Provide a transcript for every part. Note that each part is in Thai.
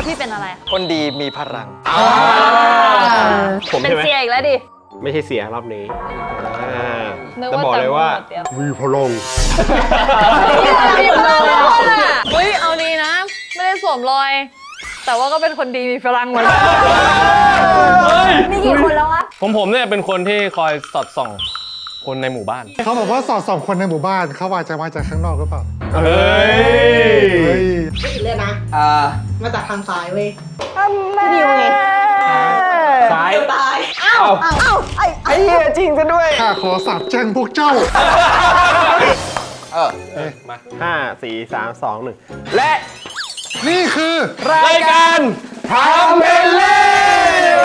พี่เป็นอะไรคนดีมีพลังผมเป็นใช่ไหมเสียอีกแล้วดิไม่ใช่เสียรอบนี้นึกจะว่าบอกเลยว่าจำหมดเดียวมีพลังอยู่เลยเฮ้ยเอาดีนะ ไม่ได้สวมรอย แต่ว่าก็เป็นคนดีมีพลังเหมือนกันมีกี่คนแล้ววะผมเนี่ยเป็นคนที่คอยสอดส่องคนในหมู่บ้านเขาบอกว่าสอดส่องคนในหมู่บ้านเขาอาจจะมาจากข้างนอกหรือเปล่าเฮ้ยเฮ้ยไม่ผิดเลยนะ มาจากทางซ้ายเว้ยพี่ดิวไงซ้ายเดี๋ยวตายอ้าวไอ้เหี้ยจริงซะด้วยข้าขอสาบแช่งพวกเจ้ามา5 4 3 2 1 และนี่คือรายการทำเป็นเล่น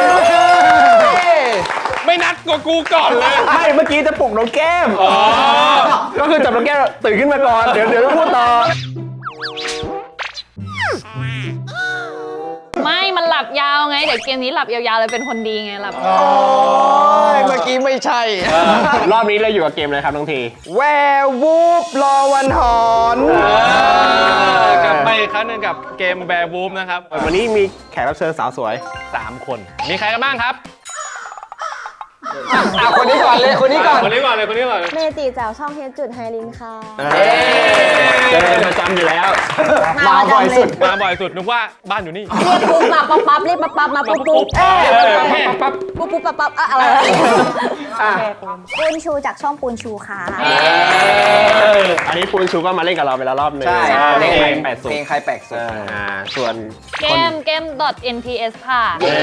ไม่นัดกว่ากูก่อนเลยไม่เมื่อกี้จะปลุกน้องแก้มก็คือจับน้องแก้มตื่นขึ้นมาก่อน เดี๋ยวต้องพูดต่อไม่มันหลับยาวไง เดี๋ยวเกมนี้หลับยาวๆเลยเป็นคนดีไงหลับโอ้ยเมื่อกี้ไม่ใช่รอบนี้เราอยู่กับเกมอะไรครับน้องทีแวร์วูฟรอวันหอนกลับไปอีกครั้งหนึงกับเกมแบร์บูฟนะครับวันนี้มีแขกรับเชิญสาวสวย 3 คน มีใครกันบ้างครับคนนี้ก่อนเลย คนนี้ก่อนคนนี้ก่อนเลยคนนี้ก่อนเลยเมจิจากช่องเฮดจุดไฮลินค่ะเจอกันประจำอยู่แล้วมาบ่อยสุดมาบ่อยสุดนึกว่าบ้านอยู่นี่เรียกปุ๊บมาปั๊บปั๊บเรียกปั๊บปั๊บมาปุ๊บปุ๊บปั๊บปุ๊บปุ๊บปั๊บปั๊บอะไรปูนชูจากช่องปูนชูค่ะอันนี้ปูนชูก็มาเล่นกับเราไปแล้วรอบหนึงใช่เล่นเพเพลลงง8 เพลงใครแปลกสุดส่วนเกม .nps ค่ะ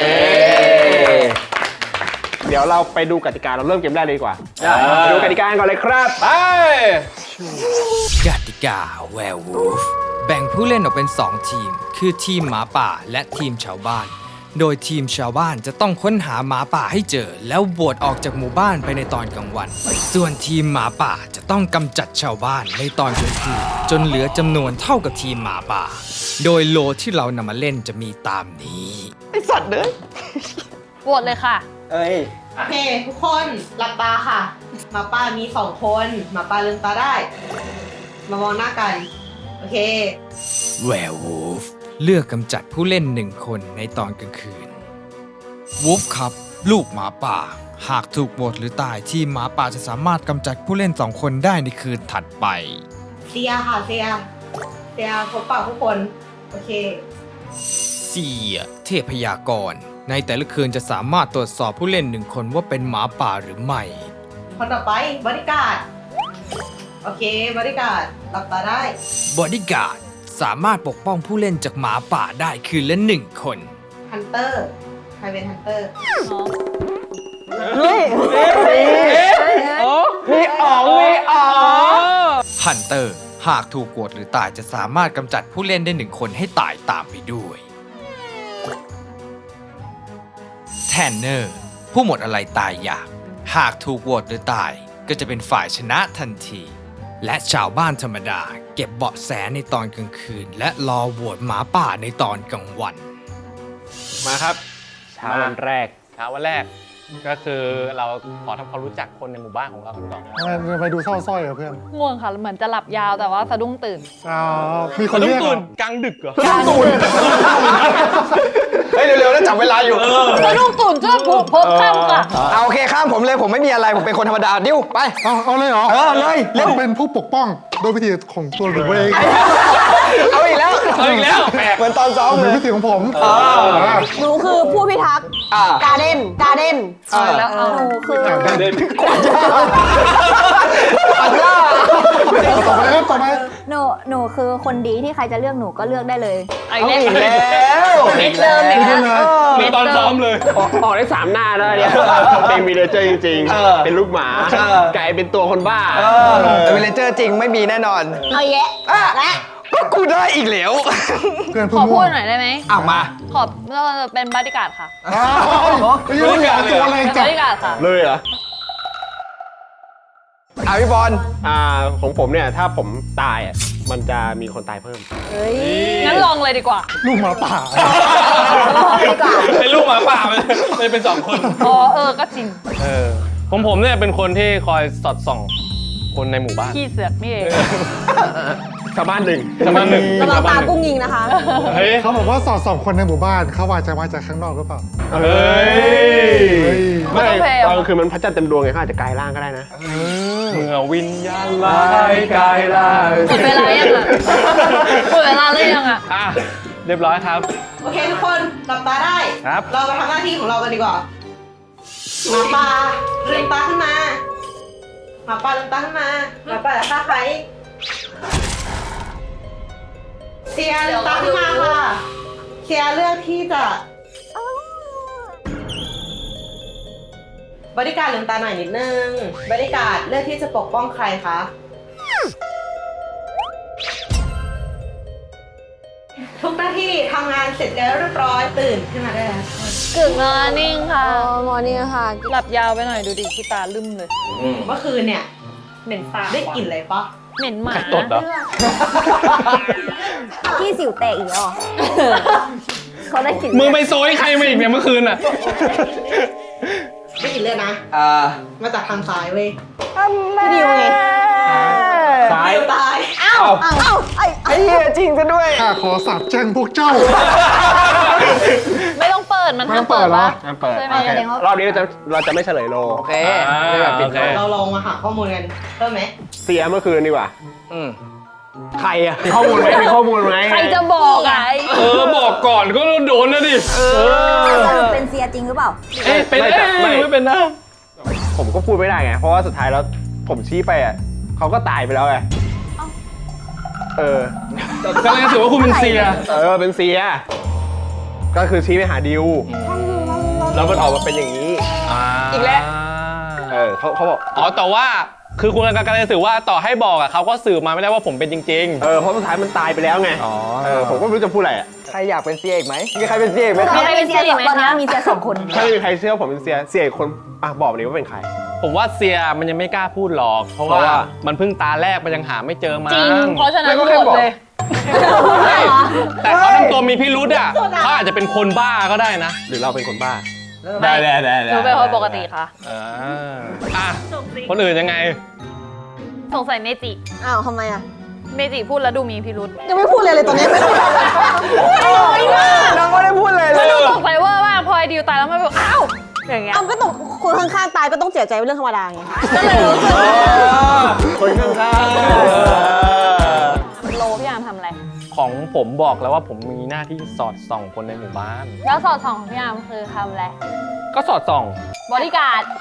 เดี๋ยวเราไปดูกติกาเราเริ่มเกมแรกเลยดีกว่าไปดูกติกากันก่อนเลยครับไปกติกา Werewolf แบ่งผู้เล่นออกเป็น 2 ทีม คือทีมหมาป่าและทีมชาวบ้าน โดยทีมชาวบ้านจะต้องค้นหาหมาป่าให้เจอ แล้วโหวตออกจากหมู่บ้านไปในตอนกลางวัน ส่วนทีมหมาป่าจะต้องกำจัดชาวบ้านในตอนกลางคืนจนเหลือจำนวนเท่ากับทีมหมาป่า โดยโลที่เรานำมาเล่นจะมีตามนี้ไอสัตว์เด้อโหวตเลยค่ะเอ้ยโอเค ทุกคนหลับตาค่ะหมาป่ามี2 คนหมาป่าลืมตาได้ มามองหน้ากัน โอเค Werewolf เลือกกำจัดผู้เล่น1 คนในตอนกลางคืน Wolf ครับ ลูกหมาป่า หากถูกโหวตหรือตายทีมหมาป่าจะสามารถกำจัดผู้เล่น2 คนได้ในคืนถัดไปเซียค่ะเซียพบปะผู้คน โอเคเสียเทพยากร ในแต่ละคืนจะสามารถตรวจสอบผู้เล่น1 คนว่าเป็นหมาป่าหรือไม่คนต่อไปบริการดโอเคบริการดหลับตาได้บอดี้การ์ดสามารถปกป้องผู้เล่นจากหมาป่าได้คืนละ1 คนฮันเตอร์ ใครเป็นฮันเตอร์มีอ๋องมีอ๋องฮันเตอร์หากถูกโหวตหรือตายจะสามารถกำจัดผู้เล่นได้1 คนให้ตายตามไปด้วยแทนเนอร์ผู้หมดอะไรตายอยาก หากถูกโหวตหรือตายก็จะเป็นฝ่ายชนะทันที และชาวบ้านธรรมดาเก็บเบาะแสในตอนกลางคืน และรอโหวตหมาป่าในตอนกลางวันมาครับเช้าวันแรกเช้าวันแรก ก็คือเราขอทำความรู้จักคนในหมู่บ้านของเรากันก่อนไปดูเศร้าสร้อยกับเพื่อนง่วงค่ะ เหมือนจะหลับยาวแต่ว่าสะดุ้งตื่นอ้าวมีคนเรียกเหรตื่อนกลางดึกเหรอเฮ้ย เร็วๆแล้วจับเวลาอยู่สะดุ้งตื่นเจ้าผูกพบข้ามค่ะเอาโอเคข้ามผมเลยผมไม่มีอะไร ผมเป็นคนธรรมดา ดิ้วไปเอาเลยเหรอเลยเร็วเราเป็นผู้ปกป้องโดยวิธีของตัวหนูเองเอาอีกแล้วเอาอีกแล้วแปลกเหมือนตอนซ้อมหเลรือย วิธีของผมหนูคือผู้พิทักษ์อ่าการเด้นแล้วหนูคือต่อไปเดินต่อไปครับต่อไปหนูคือคนดีที่ใครจะเลือกหนูก็เลือกได้เลยเอาเอาอีอีกกแล้แล้ว วมิดเดิมอีกไม่แล้ได้วเลยมีตอนซ้อมเลยออกได้3 หน้าแล้วเนี่ยเป็นมีเลเจอร์จริงๆ เป็นลูกหมากลายเป็นตัวคนบ้าเวลเจอร์จริงไม่มีแน่นอนเอาแยะและก็กูได้อีกแล้วเพื่อนขผู้อม่พูวดงหน่อยได้ไหมอ่ะมาขอเราเป็นบอดี้การ์ดค่ะไม่รู้อยากตัวอะไรเป็นบจับอดี้การ์ดค่ะเลยเหรออ่ะพี่บอลของผมเนี่ย ถ้าผมตายอ่ะ มันจะมีคนตายเพิ่มเฮ้ยงั้นลองเลยดีกว่าลูกหมาป่าดีกว่าเป็นลูกหมาป่าเลยเป็น2 คนอ๋อก็จริงผมเนี่ยเป็นคนที่คอยสอดส่องคนในหมู่บ้านขี้เสือกนี่เองชาวบ้านหนึ่งชาวบ้านหนึ่งระวังตากุ้งยิงนะคะเฮ้ยเขาบอกว่าสอดส่องคนในหมู่บ้านเขาอาจจะมาจากข้างนอกหรือเปล่าเฮ้ย ไม่ไม่ต้องแพงตอนกลางคืนมันพระจันทร์เต็มดวงไงเขาอาจจะกลายร่างก็ได้นะเมื่อวิญญาณร้ายกายล่างหมดเวลายังอ่ะหมดเวลาเลยยังอ่ะอ่ะเรียบร้อยครับโอเคทุกคนหลับตาได้ครับเรามาทำหน้าที่ของเรากันดีกว่าหมาป่าลืมตาขึ้นมาหมาป่าลืมตาขึ้นมาหมาป่าจะฆ่าใครเซียลืมตาขึ้นมาค่ะเซียเลือกที่จะบริการลืมตาหน่อยนิดนึงบริการเลือกที่จะปกป้องใครคะทุกหน้าที่ทำงานเสร็จแล้วเรียบร้อยตื่นขึ้นมาได้แล้วกึ่งมอร์นิ่งค่ะมอนี่ค่ะหลับยาวไปหน่อยดูดิขี้ตาลืมเลยเมื่อคืนเนี่ยเหม็นสาบได้กลิ่นอะไรปะเหม็นหมาไข่ตดเหรอพี่สิวแตกอีกแล้วเหรอเขาได้กลิ่นมึงไปโซยใครมาอีกเนี่ยเมื่อคืนอ่ะได้กลิ่นเลือดนะ มาจากทางซ้ายเว้ยพี่ดิวไงซ้ายเดียวตายเอ้าไอ้เหี้ยจริงซะด้วยข้าขอสาบแช่งพวกเจ้าไม่ต้องเปิดมันไม่ห้าต้มองเปิเปิดดเหรอปะงั้นเปิดใช่ไหมรอบนี้เราจะไม่เฉลยโลโอเคไม่แบบปิดโอเคเราลองมาหาข้อมูลกันเพิ่มไหมเสียเมื่อคืนดีกว่าอืมใครอะมีข้อมูลไหมมีข้อมูลไหมใครจะบอกอ่ะบอกก่อนก็โดนนะดิสรุปเป็นเซียจริงหรือเปล่าเอ๊ะเป็นไม่เป็นนะผมก็พูดไม่ได้ไง เพราะว่าสุดท้ายแล้วผมชี้ไปอะเขาก็ตายไปแล้วไงเออกำลังจะถือว่าคุณเป็นเซียเป็นเสีย ก็คือชี้ไปหาดิว แล้วมันออกมาเป็นอย่างนี้อีกแล้วเขาบอกอ๋อแต่ว่าคือคุณกำลังจะสื่อว่าต่อให้บอกอ่ะเขาก็สื่อมาไม่ได้ว่าผมเป็นจริงเพราะสุดท้ายมันตายไปแล้วไงอ๋อผมก็ไม่รู้จะพูดอะไรอะใครอยากเป็นเซียอีกไหมมีใครเป็นเซียอีกไหมตอนนี้มีเซียสองตอนนี้มีเซียสองคนถ้าไม่มีใครเชื่อผมเป็นเสียอีกคนบอกเลยว่าเป็นใครๆ ผมว่าเซียมันยังไม่กล้าพูดหรอก เพราะเพราะว่าว่ามันเพิ่งตาแรกมันยังหาไม่เจอมาจริง เพราะฉะนั้นไม่ก็โหแค่วตบอกเลยแต่เขาทำตัวมีพิรุธอ่ะเขาอาจจะเป็นคนบ้าก็ได้นะหรือเราเป็นคนบ้าได้หนูเป็นคนปกติค่ะอ่ะคนอื่นยังไงสงสัยเมจิอ้าวทำไมอ่ะเมจิพูดแล้วดูมีพิรุษยังไม่พูดเลยตอนนี้ไม่พูดเลยน้องไม่ได้พูดเลยแล้วดูสงสัยว่ามากพอไอดิวตายแล้วมันแบบอ้าวอย่างเงี้ยเอาก็ต้องคนข้างๆตายก็ต้องเสียใจเป็นเรื่องธรรมดาไงก็เลยรู้สึกคนข้างโลพี่อาร์มทำอะไรของผมบอกแล้วว่าผมมีหน้าที่สอดส่องคนในหมู่บ้านแล้วสอดส่องของพี่อาร์มคือทำอะไรก็สอดส่องบอดี้การ์ด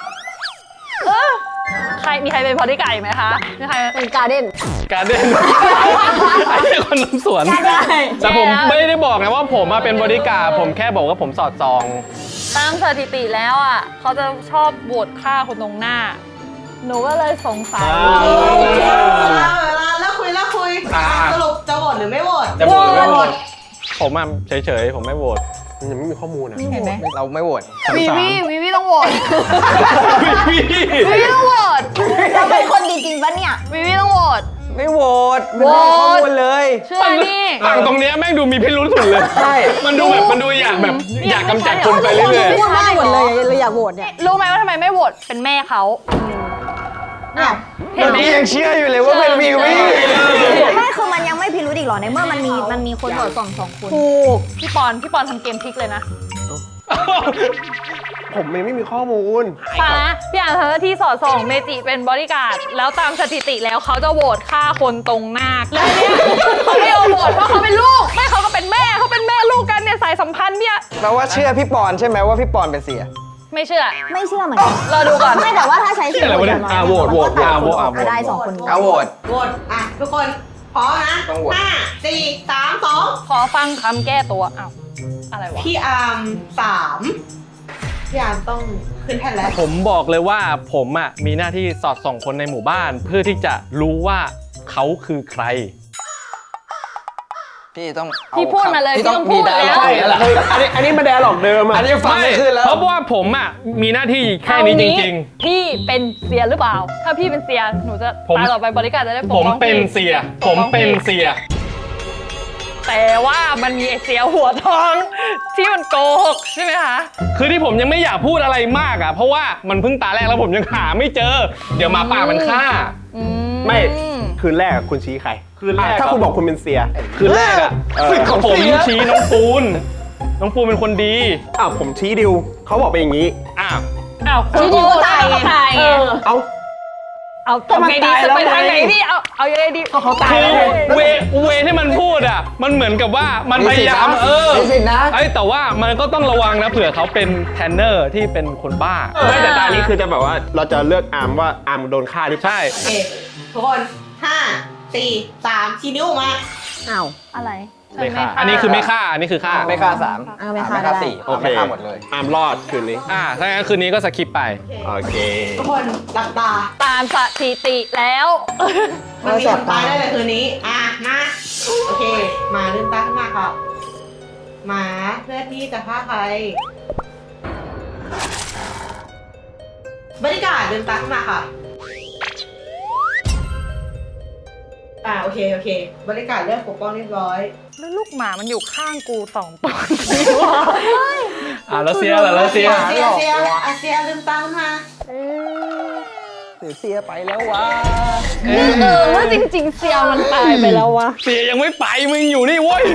มีใครเป็นบอดี้การ์ดอีกไหมคะมีใครเป็นการ์เด้นการเด่นไอ้เหี้ยคนทำสวน แต่ผมไม่ได้บอกไงว่าผมมาเป็นบริการดผมแค่บอกว่าผมสอดส่องตามสถิติแล้วอ่ะเขาจะชอบโหวตฆ่าคนตรงหน้า หนูก็เลยสงสัยแล้วคุยสรุปจะโหวตหรือไม่โหวตจะโหวตหรือไม่โหวตผมอ่ะเฉยๆผมไม่โหวตๆยังไม่มีข้อมูลอะเห็นไหมเราไม่โหวตวีวีต้องโหวตวีวีต้องโหวตเราเป็นคนดีจริงปะเนี่ยวีวีต้องโหวตไม่โหวตไม่มีข้อมูลเลยเชื่อนี่ฝั่งตรงเนี้ยแม่งดูมีพิรุษสุดเลยใช่มันดูอยากแบบอยากกำจัดคนไปเรื่อยพูดได้หมดเลยเลยอยากโหวตเนี่ยรู้ไหมว่าทำไมไม่โหวตเป็นแม่เขาอ้าวเห็นไหมพี่ยังเชื่ออยู่เลยว่าเป็นวีวีไม่คือมันยังไม่พิรุธอีกเหรอในเมื่อมันมีคนโหวตสองคนถูกพี่ปอนทำเกมพลิกเลยนะผมยังไม่มีข้อมูลป่ะนะพี่อ่านเธอที่สอดส่องเมจิเป็นบริการดแล้วตามสถิติแล้วเขาจะโหวตฆ่าคนตรงหน้าแล้วเนี่ยเขาไม่เอาโหวตเพราะเขาเป็นลูกไม่เขาก็เป็นแม่เขาเป็นแม่ลูกกันเนี่ยสายสัมพันธ์เนี่ยแปลว่าเชื่อพี่ปอนใช่ไหมว่าพี่ปอนเป็นเสียไม่เชื่อไม่เชื่อเหมือนกันรอดูก่อนไม่แต่ว่าถ้าใช้เสียงๆโหวตก็ได้สองคนนี้เอาโหวตโหวตทุกคนพร้อมนะต้องโหวต 5 4 3 2 ขอฟังคำแก้ตัวอ้าวอะไรวะพี่อาร์ม3พี่อาร์มต้องขึ้นแท่นแล้วผมบอกเลยว่าผมอ่ะมีหน้าที่สอดส่องคนในหมู่บ้าน เพื่อที่จะรู้ว่าเขาคือใครพี่ต้องเอาพี่พูดมาเลยพี่พี่ต้องพูดมีแล้วใช่แล้วล่ะอันนี้มาแดร์หลอกเดิมอะอันนี้ฟังไม่ขึ้นแล้วเพราะว่าผมอ่ะมีหน้าที่แค่นี้จริงพี่เป็นเสียหรือเปล่า ถ้าพี่เป็นเสียหนูจะผมตายต่อไปบริการดจะได้ปกๆ ผมป้องเป็นพี่เสีย ผมเป็นเสียแต่ว่ามันมีไอเสียหัวทองที่มันโกหกใช่ไหมคะคือที่ผมยังไม่อยากพูดอะไรมากอ่ะเพราะว่ามันเพิ่งตาแรกแล้วผมยังหาไม่เจอ เดี๋ยวหมาป่ามันฆ่าไม่คืนแรกคุณชี้ใครคืนแรกถ้าคุณบอกคุณเป็นเสียคืนแรกอ่ะสึกของผมเสียชี้น้องปูนน้องปูนเป็นคนดีอ้าวผมชี้ดิวเขาบอกเป็นอย่างนี้อ้าวอ้าวชี้ดิวก็ตายไงไงเอ้าเอาทำไงดีจะไปทางไหนดีเอายังไงดีเขาตายคือแล้วเวที่มันพูดอ่ะมันเหมือนกับว่ามันพยายามมีสิทธิ์นะแต่ว่ามันก็ต้องระวังนะเผื่อเขาเป็นแทนเนอร์ที่เป็นคนบ้าไม่แต่ตอนนี้คือจะแบบว่าเราจะเลือกอาร์มว่าอาร์มโดนฆ่าหรือเปล่าใช่โอเคทุกคน5 4 3ชี้นิ้วออกมาอ้าวอะไรไม่ฆ่าอันนี้คือไม่ฆ่าอันนี้คือฆ่าไม่ฆ่าสามไม่ฆ่าไม่ฆ่าได้สี่โอเคไม่ฆ่าหมดเลยอาร์มรอดคืนนี้ถ้างั้นคืนนี้ก็สคิปไปโอเคทุกคนหลับตาตามสถิติแล้วมันมีคนตายได้เลยคืนนี้มาโอเคมาลืมตาขึ้นมาค่ะหมาเพื่อที่จะฆ่าใครบรรยากาศลืมตาขึ้นมาค่ะโอเคบรรยากาศเริ่มปกป้องเรียบร้อยแล้วลูกหมามันอยู่ข้างกู2 ตัวแล้วเสียแล้วเสียเสียลืมตาขึ้นมาหรือเสียไปแล้ววะว่าจริงๆเซียวมันตายไปแล้ววะเสียยังไม่ไปมึงอยู่นี่เว้ย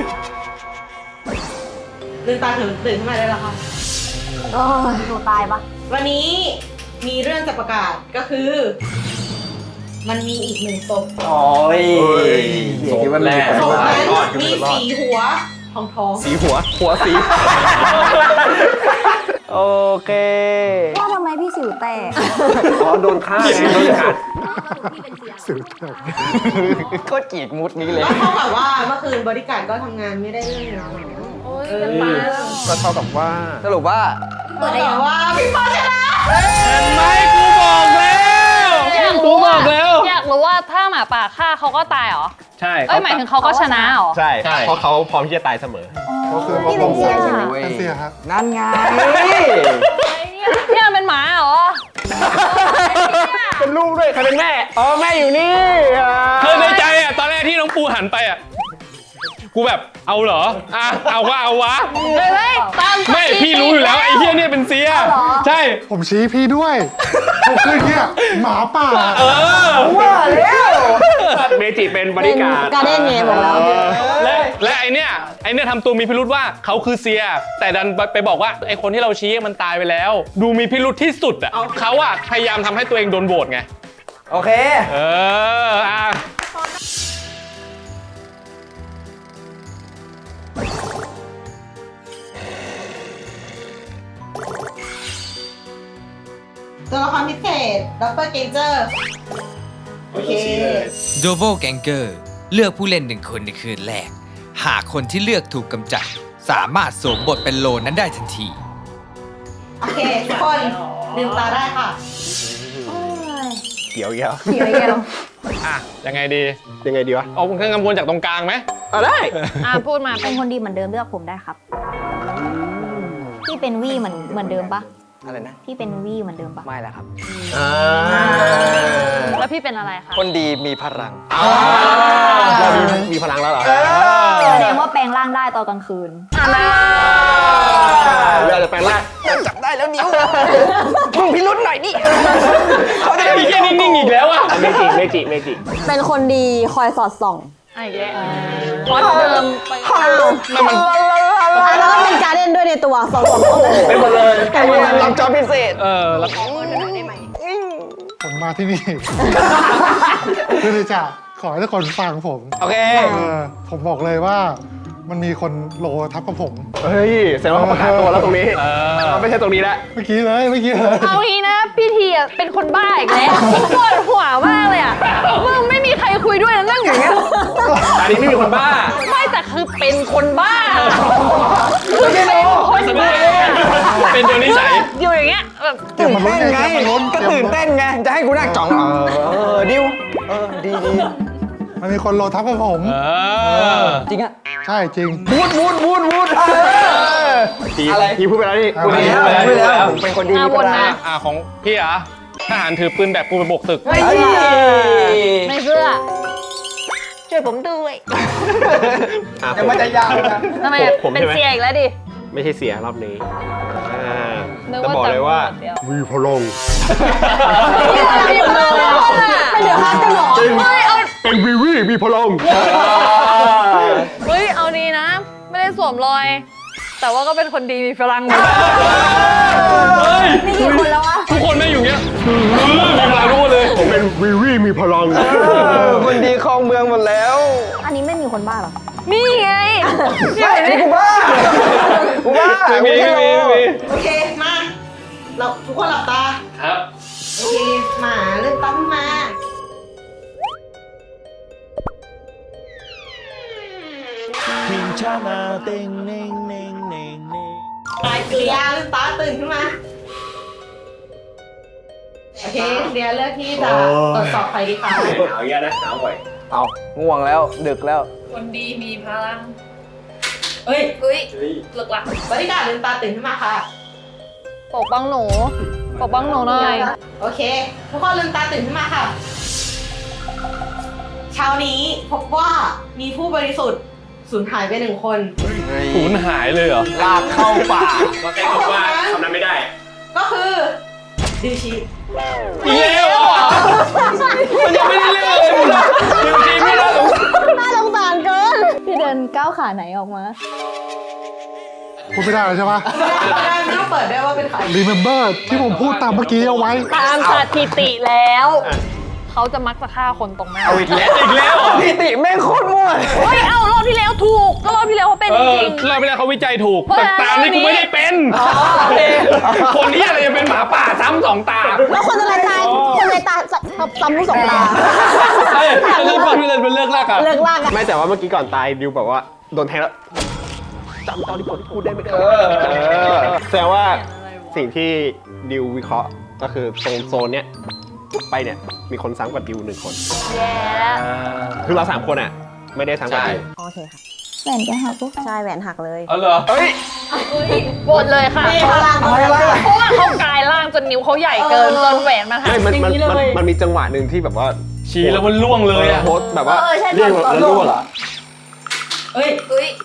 ลืมตาตื่นขึ้นมาได้แล้วค่ะหนูตายปะวันนี้มีเรื่องจะประกาศก็คือ มันมีอีก1ศพโอ้ยเสียคิดว่าแรกศพนั้นมีสีหัวทองสีหัวสีโอเคว่าทำไมพี่สิวแตกอ๋อโดนฆ่าไงโดนฆ่าสื่อแตกโคตรกรีดมุดนี้เลยแล้วเท่ากับว่าเมื่อคืนบริการก็ทำงานไม่ได้เรื่องเนาะก็เท่ากับว่าสรุปว่าแต่ว่าพี่ปอชนะเห็นไหมกูบอกแล้วกูบอกแล้วอยากรู้ว่าถ้าหมาป่าฆ่าเขาก็ตายเหรอใช่เอ้ยหมายถึงเขาก็ชนะเหรอใช่ใช่เพราะเขาพร้อมที่จะตายเสมอก็คือพี่เป็นเสียใช่ไหมเป็นเสียครับนั่นไงเนี่ยเป็นหมาเหรอเป็นลูกด้วยใครเป็นแม่ อ๋อแม่อยู่นี่คือในใจอ่ะตอนแรกที่น้องปูหันไปอ่ะกูแบบเอาเหรอเอาก็เอาวะเฮ้ยตามสถิติไม่พี่รู้อยู่แล้วไอ้เหี้ยเนี่ยเป็นเสียใช่ผมชี้พี่ด้วยผมคือเนี่ยหมาป่าว่าแล้วเมจิเป็นบริการการเด้นไงบอกแล้วและไอเนี่ยทำตัวมีพิรุธว่าเขาคือเสีย แต่ดันไปบอกว่าไอคนที่เราชี้มันตายไปแล้ว ดูมีพิรุธที่สุดอ่ะเขาอ่ะพยายามทำให้ตัวเองโดนโหวตไงโอเคตัวละครพิเศษด็อกเตอร์เกนเจอร์โอเคโดโบแกงเกอร์เลือกผู้เล่น1 คนในคืนแรก หากคนที่เลือกถูกกำจัด สามารถสวมบทเป็นโลนั้นได้ทันทีโอเคทุกคนลืมตาได้ค่ะเกี่ยวเกี่ยวเสียวเยอะยังไงดียังไงดีวะเอาเครื่องกำวนจากตรงกลางไหมได้พูดมาเป็นคนดีเหมือนเดิมเลือกผมได้ครับพี่เป็นวี่เหมือนเดิมปะอะไรนะพี่เป็นวี่เหมือนเดิมปะไม่แล้วครับแล้วพี่เป็นอะไรคะคนดีมีพลังเรามีพลังแล้วเหรอแสดงว่าแปลงร่างได้ตอนกลางคืนเราจะแปลงร่างจับได้แล้วนิ้ว มึงพิรุธหน่อยดิเขาจะไอ้ได้เหี้ยนิ่งๆอีกแล้วอ่ะเมจิเป็นคนดีคอยสอดส่องอีกแล้วพอเดิมไปแล้วก็เป็นการเด้นด้วยในตัวสอดส่องเป็นหมดเลยรับจอบพิเศษแล้วผมมาที่นี่ คือจะขอให้ทุกคนฟังผมโอเคผมบอกเลยว่ามันมีคนโลทับกับผมเฮ้ยแสดงว่าเขาประกาศตัวแล้วตรงนี้ไม่ใช่ตรงนี้แล้วเมื่อกี้เลยเอางี้นะพี่ทีอ่ะเป็นคนบ้าอีกแล้วปวดหัวมากเลยอ่ะมึงไม่มีใครคุยด้วยนะนั่งอย่างเงี้ยอันนี้ไม่มีคนบ้าไม่แต่คือเป็นคนบ้าคือเป็นคนบ้าเป็นโดยนิสัยอยู่อย่างเงี้ยแบบตื่นเต้นไง ก็ตื่นเต้นไง จะให้กูนั่งจ่องดิวดีมันมีคนโลทับกับผมจริงอะใช่จริงวูด อะไรพี่พูดไปแล้วนี่พูดไปแล้วพูดแล้วผมเป็นคนดีมีพลังของพี่อ่ะทหารถือปืนแบบกูไปโบกตึกไม่เชื่อช่วยผมด้วยเดี๋ยวมันจะยาวนะทำไมผมเป็นใช่ไหมเสียอีกแล้วดิไม่ใช่เสียรอบนี้นึกจะว่าบอกเลยว่าเดียวมีพลังไม่เหลือข้างกันหรอไม่เอาเป็นวีวีมีพลังเฮ้ยเอาดีนะ ไม่ได้สวมรอย แต่ว่าก็เป็นคนดีมีพลังเหมือนกันเฮ้ยมีกี่คนแล้ววะทุกคนไม่อยู่เงี้ยมีพลังรู้เลยผมเป็นวีวีมีพลังคนดีครองเมืองหมดแล้วอันนี้ไม่มีคนบ้าเหรอนี่ไงไม่อันนี้กูบ้ากูบ้าไม่มีไม่มีไม่มีโอเค มาเราทุกคนหลับตาครับโอเคหมาเริ่มตั้มมา ตายเกลียลืมตาตื่นขึ้นมา โอเคเดียเลือกที่จะตรวจสอบใครดีคะหนาวเยอะนะหนาวบ่อยเอาง่วงแล้วดึกแล้วคนดีมีพลังเฮ้ยเฮ้ยเลิกละบริการลืมตาตื่นขึ้นมาค่ะปกป้องหนูปกป้องหนูหน่อยโอเค ทุกคนลืมตาตื่นขึ้นมาค่ะ เช้านี้พบว่ามีผู้บริสุทธิ์สูญหายไป1 คนสูญหายเลยเหรอลากเข้าป่าก็แค่บอกว่าคำนั้นไม่ได้ก็คือดิวชีอีกแล้วเหรอมันยังไม่ได้เล่นเลยมึงจริงๆไม่ได้หรอกน่าสงสารเกินพี่เดินก้าวขาไหนออกมาพูดไม่ได้แล้วใช่ปะไม่ต้องเปิดด้วยว่าเป็นใคร remember ที่ผมพูดตามเมื่อกี้เอาไว้ตามสถิติแล้ว เขาจะมักจะฆ่าคนตรงหน้าเอาอีกแล้วอีกแล้วเหรอพิติแม่งโคตรมั่วเฮ้ย เอารอบที่แล้วถูก ก็รอบที่แล้วเขาเป็นเอจอริงเราไปแล้วเขาวิจัยถูกเพราะแต่ตามนี่กูไม่ได้เป็น คนนี้อะไรจะเป็นหมาป่าซ้ำ2 ตาแล้วคนอะไรตายคนอะไรตายซ้ำลูก2 ตาเฮ้ยเรื่องความที่เราเป็นเลิกลากอะเลิกลากอะไม่แต่ว่าเมื่อกี้ก่อนตายดิวแบบว่าโดนแทงแล้วจำตอนที่ผมพูดได้ไหมครับแสดงว่าสิ่งที่ดิววิเคราะห์ก็คือตรงโซนเนี้ยไปเนี่ยมีคนซ้ำกว่าดิว1 คนแย่แล้วคือเรา3 คนอ่ะไม่ได้ซ้ำกว่าดิวโอเคค่ะแหวนจะหักปุ๊บใช่แหวนหักเลยเอาเหรอเฮ้ยโหวตเลยค่ะอะไรวะเพราะว่าเขากลายร่างจนนิ้วเขาใหญ่เกินจนแหวนมันหักไม่มันมีจังหวะหนึ่งที่แบบว่าชี้แล้วมันล่วงเลยอะโพสต์แบบว่าใช่เรียกแล้วรั่วเหรอเฮ้ยเฮ้ย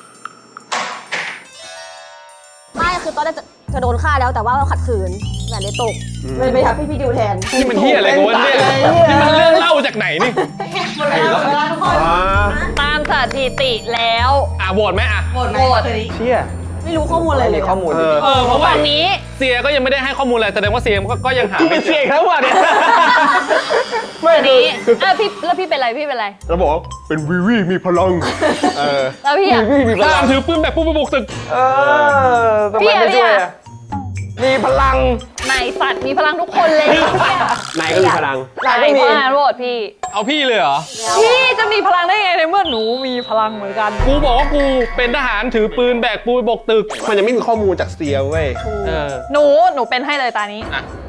ไม่คือตอนแรกจะโดนฆ่าแล้วแต่ว่าเราขัดขืนแหวนเลยตกเลยไปทักพี่ดิวแทนนี่มันเฮียอะไรกันวะเนี่ยนี่มันเรื่องเล่าจากไหนนี่หมดเวลาทุกคนตามสถิติแล้วโหวตไหมอะโหวตไหมโหวตตัวนี้เชี่ยไม่รู้ข้อมูลอะไรเลยข้อมูลดิเพราะว่าฝั่งนี้เสียก็ยังไม่ได้ให้ข้อมูลอะไรแสดงว่าเสียก็ยังหากูไม่เป็นเจเสียออีกแล้วว่ะเนี่ยฝั่งนี้พี่แล้วพี่เป็นไรพี่เป็นไรเราบอกว่าเป็นวีวีมีพลังเออแล้วพี่อะตามถือปืนแบบผู้บุกตึกเออทำไมไม่ช่วยอะมีพลังนายสัตว์มีพลังทุกคนเลยนายก็มีพลังนายเพราะงานโหวตพี่เอาพี่เลยเหรอพี่จะมีพลังได้ไงในเมื่อหนูมีพลังเหมือนกันกูบอกว่ากูเป็นทหารถือปืนแบกปูนบกตึกมันยังไม่มีข้อมูลจากเซียเว้ยหนูเป็นให้เลยตานี้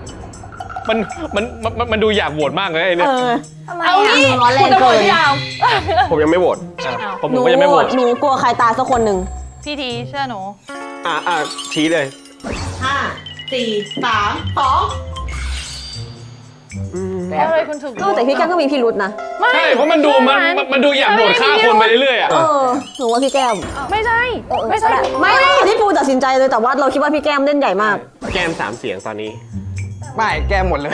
มันดูอยากโหวตมากเลยไอ้เนี่ยเอานี่ร้อนแรคุณงจะโหวเกิตนยาวผมยังไม่โหวตผมหนูก็ยังไม่โหวตหนูกลัวใครตายสักคนหนึ่งพี่ทีเชื่อหนูชี้เลย 5 4 3 2 แล้วอะไรคุณถึงแต่พี่แก้มก็มีพิรุษนะใช่เพราะมันดูอยากโหวตฆ่าคนไปเรื่อยๆอ่ะหนูว่าพี่แก้มไม่ใช่ ไม่ใช่ไม่ที่ปูตัดสินใจเลยแต่ว่าเราคิดว่าพี่แก้มเล่นใหญ่มากแก้ม3 เสียงตอนนี้ไม่แก้หมดเลย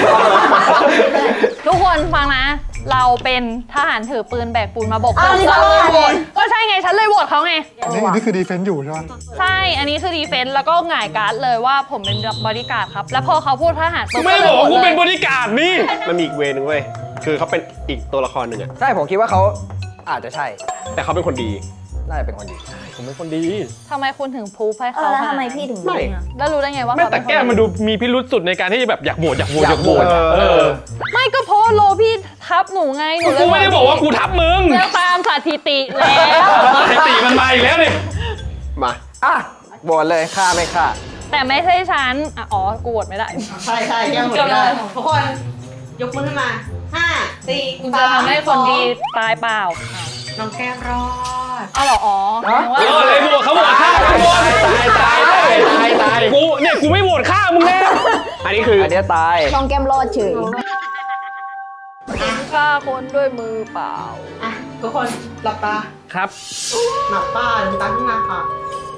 ทุกคนฟังนะ เราเป็นทหารถือปืนแบกปูนมาบกอ้าวนี่เราเลยก็โหวตก็ใช่ไงฉันเลยโหวตเขาไงอันนี้คือดีเฟนต์อยู่ใช่ไหมใช่ อันนี้คือดีเฟนต์แล้วก็หง่ายการ์ดเลยว่าผมเป็นบอดี้การ์ดครับ แล้วพอเขาพูดทหารกูปุ๊บไม่ได้บอกว่ากูเป็นบริการดนี่มันมีอีกเวนึงเว้ย คือเขาเป็นอีกตัวละครหนึ่งอะใช่ผมคิดว่าเขาอาจจะใช่แต่เขาเป็นคนดีน่าจะเป็นคนดีผมเป็นคนดีทำไมคุณถึงพูดให้เอเขาอแล้วขนาดทำไมนั้นพี่ถึงไม่รู้อะแล้วรู้ได้ไงว่าไม่เขาแต่เป็นคนแก้มมันดูมีพิรุษสุดในการที่แบบอยากโหวตอะเออไม่ก็เพราะโลพี่ทับหนูไงหนูเลยกูไม่ได้บอกว่ากูทับมึงแล้วตามสถิติแล้วสถิติมันมาอีกแล้วนี่มาอ่ะบวชเลยฆ่าไม่ฆ่าแต่ไม่ใช่ฉันอ่ะอ๋อ กูโหวตไม่ได้ใช่ใช่ยังหมดเลยทุกคน ยกมือขึ้นมา 5 4 คุณจะทำให้คนดีตายเปล่าน้องแก้มรอดเอาเหรออ๋อแสดงว่าเออเลยโหวตเขาโหวตฆ่ากูโหวตตายกูเนี่ยกูไม่โหวตฆ่ามึงแน่อันนี้คืออันเนี้ยตายลองแก้มรอดเฉยฆ่าคนด้วยมือเปล่าอ่ะทุกคนหลับตาครับหมาป่าลืมตาขึ้นมาค่ะ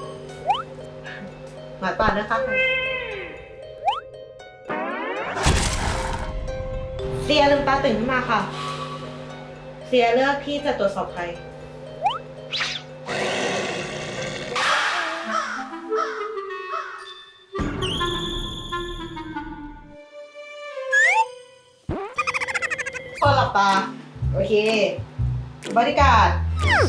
หมาป่านะคะเซียลืมตาตื่นขึ้นมาค่ะ เซียเลือกที่จะตรวจสอบใคร คนหลับตา โอเค บริการด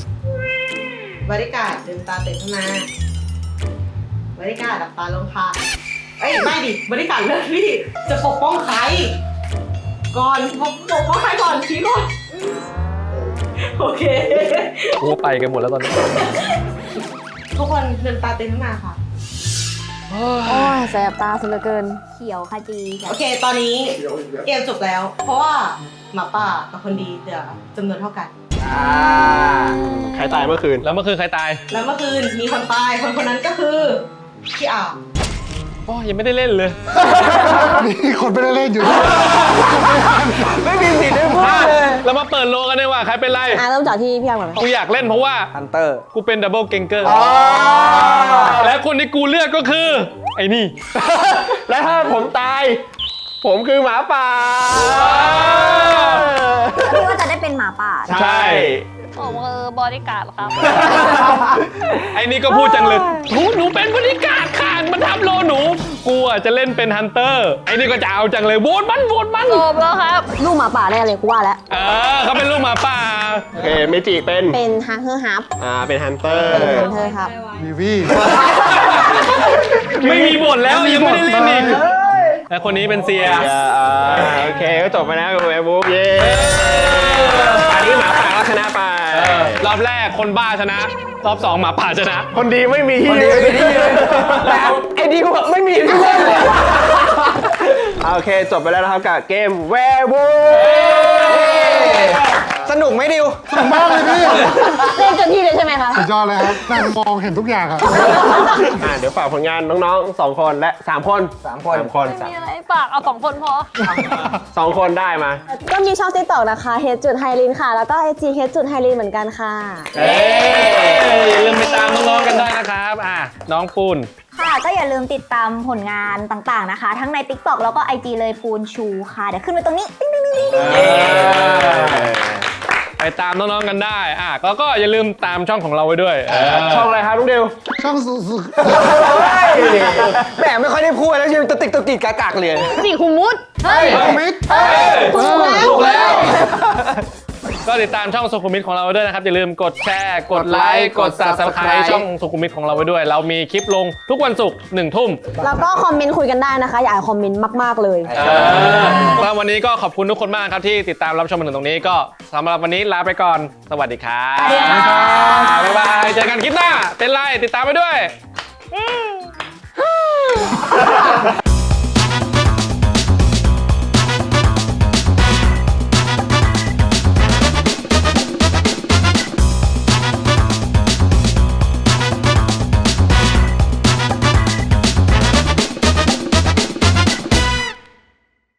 ลืมตาตื่นขึ้นมาบริการดหลับตาลงค่ะ เอ้ยไม่ดิบริการดเลือกที่จะปกป้องใคร ก่อนปกป้องใครก่อนชี้ก่อนโอเคกูไปกันหมดแล้วตอนนี้ทุกคนลืมตาตื่นขึ้นมาค่ะโอ้ยแสบตาสุดเหลือเกินเขียวขจีโอเค ตอนนี้เกมจบแล้ว เพราะว่าหมาป่ากับคนดีเหลือจำนวนเท่ากันใครตายเมื่อคืนแล้วเมื่อคืนใครตายแล้วเมื่อคืนมีคนตาย คนนั้นก็คือพี่อ่าวโอ้ยังไม่ได้เล่นเลยมีคนไม่ได้เล่นอยู่ด้วยไม่มีสิทธิ์ได้พูดอ่ะเลยเรามาเปิดโลกันดีกว่าใครเป็นไรเริ่มจากที่พี่อาร์มก่อนกูอยากเล่นเพราะว่าฮันเตอร์กูเป็นดับเบิลเกงเกอร์ และคนที่กูเลือกก็คือ ไอ้นี่และถ้าผมตาย ผมคือหมาป่าพี่ว่าจะได้เป็นหมาป่าใช่ผมคือบริการดครับไอ้นี่ก็พูดจังเลยหนูเป็นบริการขาดมันทำโลหนู กูอ่ะจะเล่นเป็นฮันเตอร์ ไอ้นี่ก็จะเอาจังเลยโหวตมันจบแล้วครับลูกหมาป่าแน่เลยกูว่าแล้วเขาเป็นลูกหมาป่าโอเค เมจิเป็นเป็นฮักเฮอร์ฮับเป็นฮันเตอร์เธอครับวีวี่ไม่มีบทแล้วยังไม่ได้เล่นอีกและคนนี้เป็นเซียโอเค ก็จบไปแล้วกับแวร์วูฟเย้อันนี้หมาป่าก็ชนะไปรอบแรกคนบ้าชนะ รอบ 2 หมาป่าชนะคนดีไม่มีที่คนดีไม่มีที่ยืนแต่ไอ้ดิวอะไม่มีที่เล่นเลยโอเค จบไปแล้วนะครับกับเกมแวร์วูฟสนุกไหมดิวมากเลยพี่เล่นจนที่เลยใช่ไหมคะสุดยอดเลยครับนั่งมองเห็นทุกอย่างอะเดี๋ยวฝากผลงานน้องๆ2 คนและ 3 คน 3 คน 3 คนมีอะไรฝากเอา2 คนพอ 2 คนได้มาก็มีช่องติ๊กต็อกนะคะเฮดจุดไฮรินค่ะ แล้วก็ไอจีเฮดจุดไฮรินเหมือนกันค่ะอย่าลืมไปตามน้องๆกันได้นะครับ น้องปูนค่ะก็อย่าลืมติดตามผลงานต่างๆนะคะ ทั้งใน TikTok แล้วก็ IG เลยปูนชูค่ะ เดี๋ยวขึ้นไว้ตรงนี้ติ๊งติ๊งติ๊งติ๊งไปตามน้องๆกันได้แล้วก็อย่าลืมตามช่องของเราไว้ด้วยช่องอะไรครับลุงเดียวช่องสุดแหมไม่ค่อยได้พูดแล้วยังตะติกกากเลยสี่คุมุด เฮ้ยมิดถูกแล้ว ก็ติดตามช่องสุขุมวิทของเราไว้ด้วยนะครับ อย่าลืมกดแชร์ กดไลค์ กด Subscribe ช่องสุขุมวิทของเราไว้ด้วย เรามีคลิปลงทุกวันศุกร์1 ทุ่มแล้วก็คอมเมนต์คุยกันได้นะคะ อยากให้คอมเมนต์มากๆเลยแล้ววันนี้ก็ขอบคุณทุกคนมากครับที่ติดตามรับชมมาถึงตรงนี้ก็สำหรับวันนี้ลาไปก่อน สวัสดีครับ บ๊ายบาย เจอกันคลิปหน้า เป็นไรติดตามไปด้วย